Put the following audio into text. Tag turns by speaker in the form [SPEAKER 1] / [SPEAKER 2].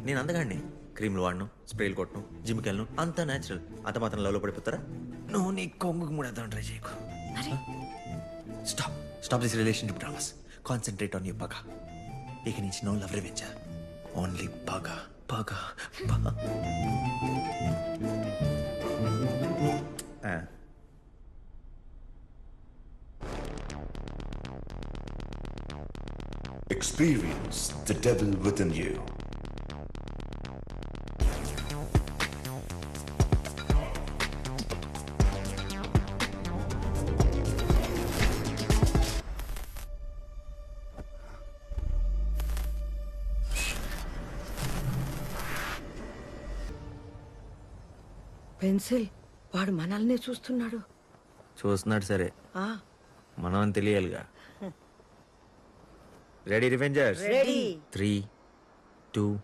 [SPEAKER 1] నేను అందగాడిని. క్రీమ్లు వాడను, స్ప్రేలు కొట్టను, జిమ్కి వెళ్ళను, అంతా న్యాచురల్. అంత మాత్రం లవ్లో పడిపోతారా? నువ్వు నీ కొంగుకు ముడేద్దాం ట్రై చేయకు. Stop stop this relationship dramas. Concentrate on you పగా. ఇక నుంచి నో లవ్ రివెంజ్, ఓన్లీ పగా పగా పగా.
[SPEAKER 2] Experience the devil within you.
[SPEAKER 3] Pencil వాడు మనల్ని చూస్తున్నాడు.
[SPEAKER 1] చూస్తున్నాడు సరే,
[SPEAKER 3] ఆ
[SPEAKER 1] మనం అని తెలియాలిగా. Ready Revengers?
[SPEAKER 3] రెడీ.
[SPEAKER 1] 3, 2